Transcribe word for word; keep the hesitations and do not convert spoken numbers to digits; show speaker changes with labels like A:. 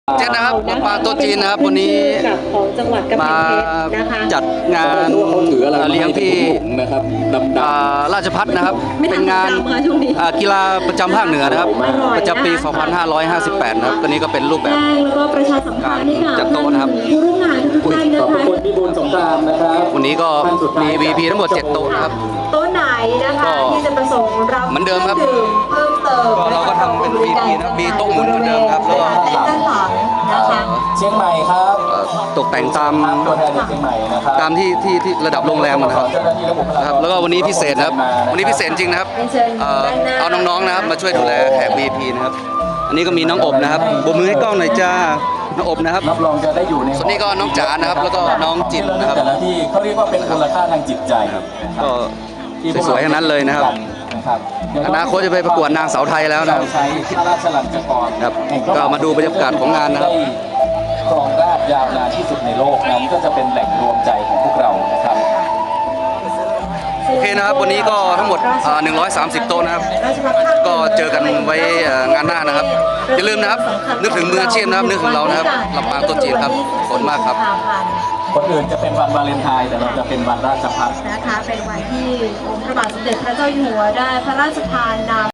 A: เจ็ดนะครับปลาโต๊ะจีนนะครับวันนี้
B: ของจังหวัดกำแพ
A: มาง
B: เพชรนะคะ
A: จัดงานเลี้ยงที่อ่าราชพัฒนะครับเป็นงานอ่ากีฬาประจำภาคเหนือนะครับประจำปี สองพันห้าร้อยห้าสิบแปด นะครับตัวนี้ก็เป็นรูปแบบ
B: แล้วก็ประชาสัมพันธ์ให้กับ
A: จัดโต๊ะนะครับ
B: ผู้ร่วมงานทุกท่านนะ
C: ขอบ
B: คะ
C: คุณพี่บุญสงครามนะครับ
A: วันนี้ก็มี วี พี ทั้งหมดเจ็ดโต๊ะนะครับ
B: โต๊ะไหนนะคะ
A: ก็
B: ที่จะประสงค์รับ
A: เหมือนเดิมครับ
B: คองดื่มเพิ่มเติม
A: ก็เราก็ทำเป็น วี พี นะครับมีโต๊ะหมุนเหมือนเดิมครับแล้วก็
B: ด้านหลังนะคะ
C: เชียงใหม่ครับ
A: เอ่อตกแต่งตาม
C: ตัวแทนจากเชียงใหม่นะครับ
A: ตามที่ที่ที่ระดับโรงแรมนะครับ
C: เจ้าหน้าที่และบุคลากร
A: นะครับแล้วก็วันนี้พิเศษนะครับวันนี้พิเศษจริงนะครับเอ่อเอาน้องๆนะครับมาช่วยดูแลแขก วี พี นะครับอันนี้ก็มีน้องอบนะครับโบกมือให้กล้องหน่อยจ้าน้องอบนะครับ
C: รับรองจะได้อยู่ใน
A: ส่วนนี้ก็น้องจ๋านะครับแล้วก็น้องจิตนะครับ
C: แต่ละที่เขาเรียกว่าเป็นมูลค่าทางจิตใจครับ
A: ก็สวยๆทั้งนั้นเลยนะครับ
C: นะครับ
A: อนาคตจะไปประกวดนางสาวไทยแล้วนะครับ
C: เราใช้พระราชลัญจกร
A: ครับก็มาดูบรรยากาศของงานนะครับ
C: ได้ครองราชยาวนานที่สุดในโลกนั้นก็จะเป็นแหล่งรวมใจของพวกเรานะครับ
A: โอเคนะครับวันนี้ก็ทั้งหมดอ่าหนึ่งร้อยสามสิบโต๊ะนะครับก็เจอกันไว้เอ่องานหน้านะครับอย่าลืมนะครับนึกถึงมืออาชีพนะครับนึกถึงเรานะครับลำปางโต๊ะจีนครับขอบคุณมากครับ
C: คนอื่นจะเป็นวันวาเลนไทน์แต่เราจะเป็นวันราชพัฒ
B: นะคะเป็นวันที่องค์พระบาทสมเด็จพระเจ้าอยู่หัวได้พระราชทานนาม